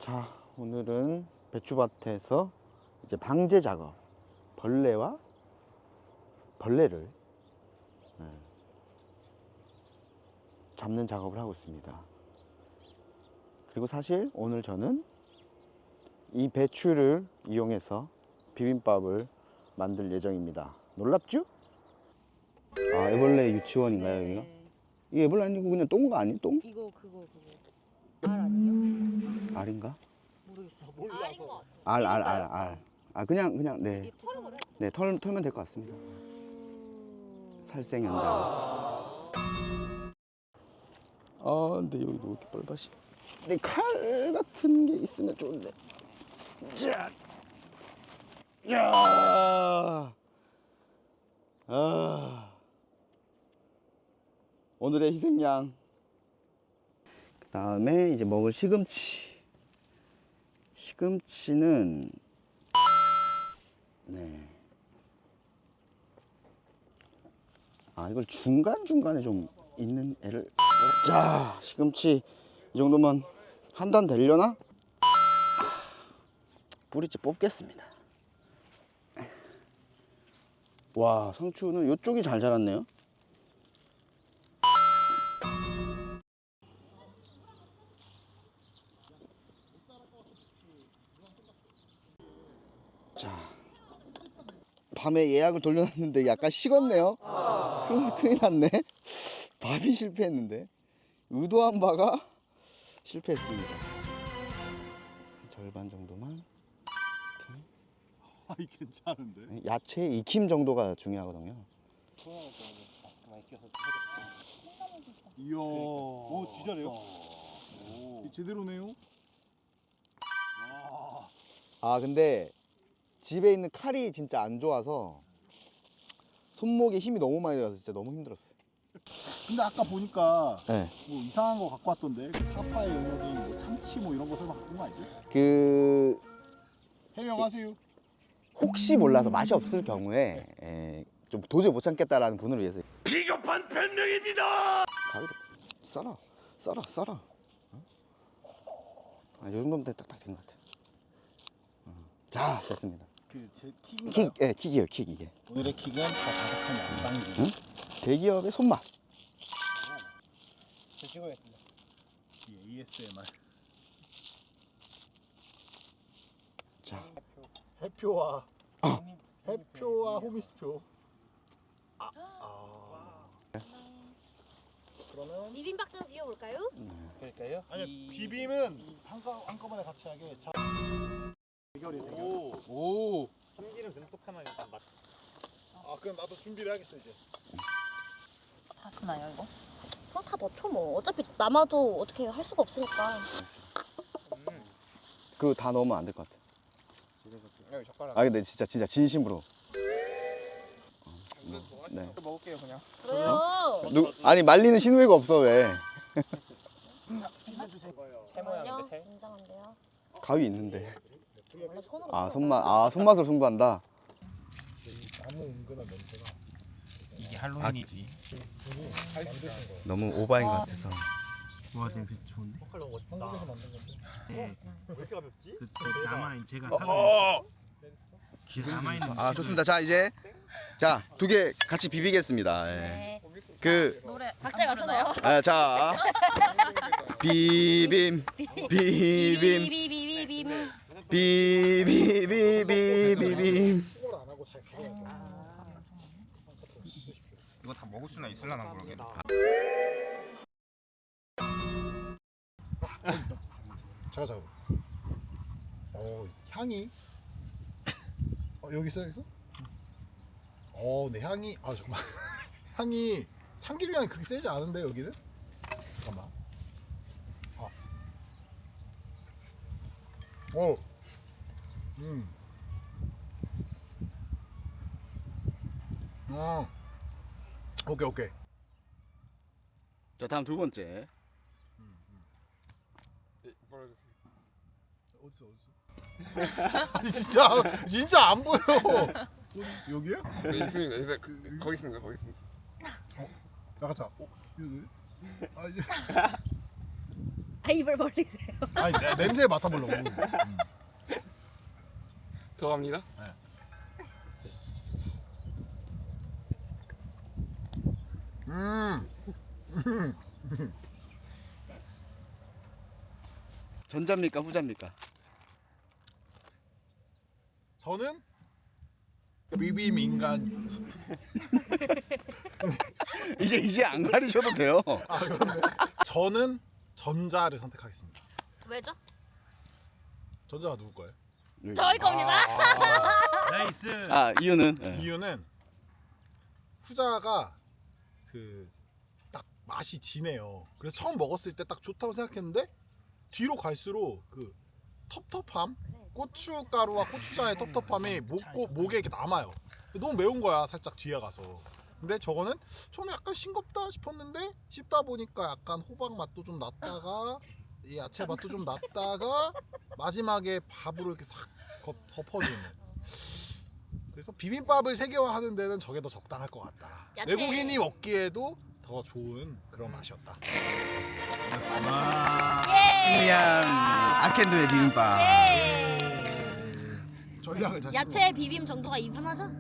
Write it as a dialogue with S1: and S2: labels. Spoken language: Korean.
S1: 자, 오늘은 배추밭에서 이제 방제 작업, 벌레를 잡는 작업을 하고 있습니다. 그리고 사실 오늘 저는 이 배추를 이용해서 비빔밥을 만들 예정입니다. 놀랍죠? 아, 애벌레 유치원인가요, 여기가? 이게 애벌레 아니고 그냥 똥거 아니에요? 똥?
S2: 이거 그거 알 아니에요?
S1: 알인가?
S2: 모르겠어. 알인 것 같아.
S1: 알. 아, 그냥 네. 네, 털면 될 것 같습니다. 살생 현장. 아, 근데 여기도 왜 이렇게 뻘밭이? 근데 칼 같은 게 있으면 좋은데. 자, 야, 오늘의 희생양. 그 다음에 이제 먹을 시금치. 시금치는 네. 아, 이걸 중간중간에 좀 있는 애를. 자, 시금치 이 정도면 한 단 되려나? 뿌리째 뽑겠습니다. 와, 상추는 이쪽이 잘 자랐네요. 자, 밤에 예약을 돌려놨는데 약간 식었네요. 그래서 큰일 났네. 밥이 실패했는데 의도한 바가 실패했습니다. 절반 정도만.
S3: 아이 괜찮은데?
S1: 야채 익힘 정도가 중요하거든요.
S3: 이야. 오 진짜래요? 오. 제대로네요. 와.
S1: 아, 근데 집에 있는 칼이 진짜 안 좋아서 손목에 힘이 너무 많이 들어서 진짜 너무 힘들었어요.
S3: 근데 아까 보니까
S1: 네.
S3: 뭐 이상한 거 갖고 왔던데 그 사파의 영역이 뭐 참치 뭐 이런 거 설마 갖고 온 거 아니지?
S1: 그
S3: 해명하세요.
S1: 혹시 몰라서 맛이 없을 경우에 좀 도저히 못 참겠다라는 분을 위해서
S4: 비겁한 변명입니다.
S1: 가위로 썰어. 아, 요 정도면 딱 된 것 같아. 자, 됐습니다.
S3: 그제 킥인가요?
S1: 킥이에요, 킥 이게.
S3: 오늘의 킥은 더 바삭한 양방기.
S1: 응? 대기업의 손맛.
S3: 제 찍어야겠습니다. 이 ASMR.
S1: 자,
S3: 해표와 해표와 호미스표. 그러면
S2: 비빔밥 좀 이어볼까요?
S3: 그럴까요? 아니 비빔은 한꺼번에 같이 하게. 자, 대결이 대결.
S5: 오. 참기름 듬뿍하면 일단 맛.
S3: 아 그럼 나도 준비를 하겠어 이제.
S2: 다 쓰나요 이거? 그럼 다 넣죠 뭐. 어차피 남아도 어떻게 할 수가 없으니까.
S1: 그거 다 넣으면 안 될 것 같아.
S5: 여기 젓가락.
S1: 아, 근데 진짜 진심으로. 네.
S5: 먹을게요 그냥.
S2: 그래요.
S1: 아니, 말리는 신우이가 없어 왜?
S5: 새 모양인데 새.
S2: 굉장한데요.
S1: 가위 있는데.
S2: 원래 손으로.
S1: 아, 손맛으로 승부한다.
S3: 아무 은근한 냄새가.
S5: 이게 할로윈이지.
S1: 너무 오바인 것 같아서.
S5: 와 냄새 좋은데?
S3: 한국에서 만든 건데.
S5: 네.
S3: 왜 이렇게 가볍지?
S5: 그 남아있는 제가 사는 기름 남아있는.
S1: 아, 좋습니다. 자, 이제 자, 2개 같이 비비겠습니다. 예.
S2: 네.
S1: 그
S2: 노래 박자가 쓰나요?
S1: 자, 비빔
S2: 비비비비비빔.
S1: 비빔.
S3: 그걸 안 하고 잘 가야죠.
S5: 이거 다 먹을 수나 있을라나 그러게.
S3: 잠깐. 향이. 여기 있어 여기서? 네 향이. 정말 향이 참기름 향이 그렇게 세지 않은데 여기는? 잠깐만. 오케이.
S1: 자, 다음 2번째.
S3: 어디서? 아니 진짜 안 보여. 여기요?
S4: 있습니다. 거기 있습니다.
S3: 약간 자. 여기.
S2: 입을 벌리세요.
S3: 아니 냄새 맡아보려고.
S4: 들어갑니다.
S1: 전자입니까 후자입니까?
S3: 저는 비빔 인간.
S1: 이제 안 가리셔도 돼요.
S3: 아 그런데 저는 전자를 선택하겠습니다.
S2: 왜죠?
S3: 전자가 누구 거예요?
S2: 저희 겁니다.
S5: 나이스.
S1: 아 이유는 예.
S3: 이유는 후자가 그 딱 맛이 진해요. 그래서 처음 먹었을 때 딱 좋다고 생각했는데 뒤로 갈수록 그 텁텁함, 고춧가루와 고추장의 텁텁함이 목에 이렇게 남아요. 너무 매운 거야 살짝 뒤에 가서. 근데 저거는 처음에 약간 싱겁다 싶었는데 씹다 보니까 약간 호박 맛도 좀 났다가 이 야채 맛도 좀 났다가 마지막에 밥으로 이렇게 싹 덮어주는. 그래서 비빔밥을 세계화하는 데는 저게 더 적당할 것 같다.
S2: 야채.
S3: 외국인이 먹기에도 더 좋은 그런 맛이었다.
S5: 와.
S1: 승리한 아켄드의 비빔밥.
S3: 전략을 잘
S2: 야채 비빔 정도가 이분하죠?